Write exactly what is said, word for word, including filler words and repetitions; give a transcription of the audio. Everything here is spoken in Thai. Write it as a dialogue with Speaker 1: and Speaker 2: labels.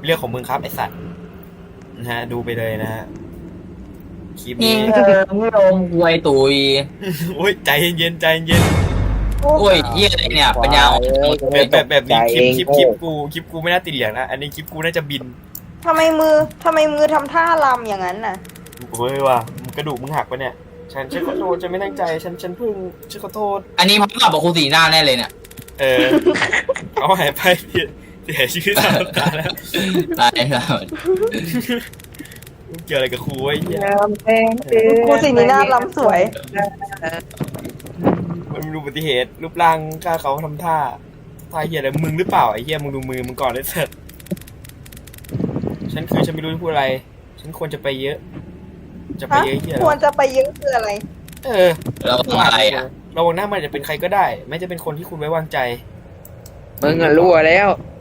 Speaker 1: เรื่องของมึงครับไอสัตว์นะฮะดูไปเลยนะฮะคลิป
Speaker 2: ยิ
Speaker 1: นี้
Speaker 2: งเธอไม่ลงควยตุย
Speaker 1: โอ้ยใจเย็นใจเย็น
Speaker 2: โอ้ยเยี่ยอะไรเนี่ยปัญญาอ่อน
Speaker 1: แบบแบบแบบนี้คลิปคลิปคลิปกูคลิปกูไม่น่าติดเหลืองนะอันนี้คลิปกูน่าจะบิน
Speaker 3: ทำไมมือทำไมมือทำท่าลำอย่างนั้นน่ะ
Speaker 1: โอ้ยว่ะมึงกระดูกมึงหักปะเนี่ยฉันฉันขอโทษฉันไม่ตั้งใจฉันฉันเพิ่งฉันขอโทษ
Speaker 2: อันนี้มันกับครูสีหน้าแน่เลยเนี่ย
Speaker 1: เออเอาหายไปเสียเสียชีวิตตามตาแล้ว
Speaker 2: ตายแล้ว
Speaker 1: เกี่ยวอะไรกับครูไอ้เหี้ย
Speaker 3: ครูสีนีน่าลำสวย
Speaker 1: มันมีอุบัติเหตุรูปร่างกล้าเขาทำท่าท่าเหี้ยอะไรมึงหรือเปล่าไอ้เหี้ยมึงดูมือมึงก่อนได้เสร็จฉันคือฉันไม่รู้จะพูดอะไร ฉันควรจะไปเยอะ จะไป
Speaker 3: ฮะ
Speaker 1: เยอะเหี้ย
Speaker 3: ควรจะไปเยอะคืออะไร
Speaker 1: เออ
Speaker 2: แล้วทำอะไรอ่ะ
Speaker 1: ระวังหน้ามันจะเป็นใครก็ได้ ไม่จะเป็นคนที่คุณไว้วางใจ
Speaker 4: มึงอะรั่วแล้ว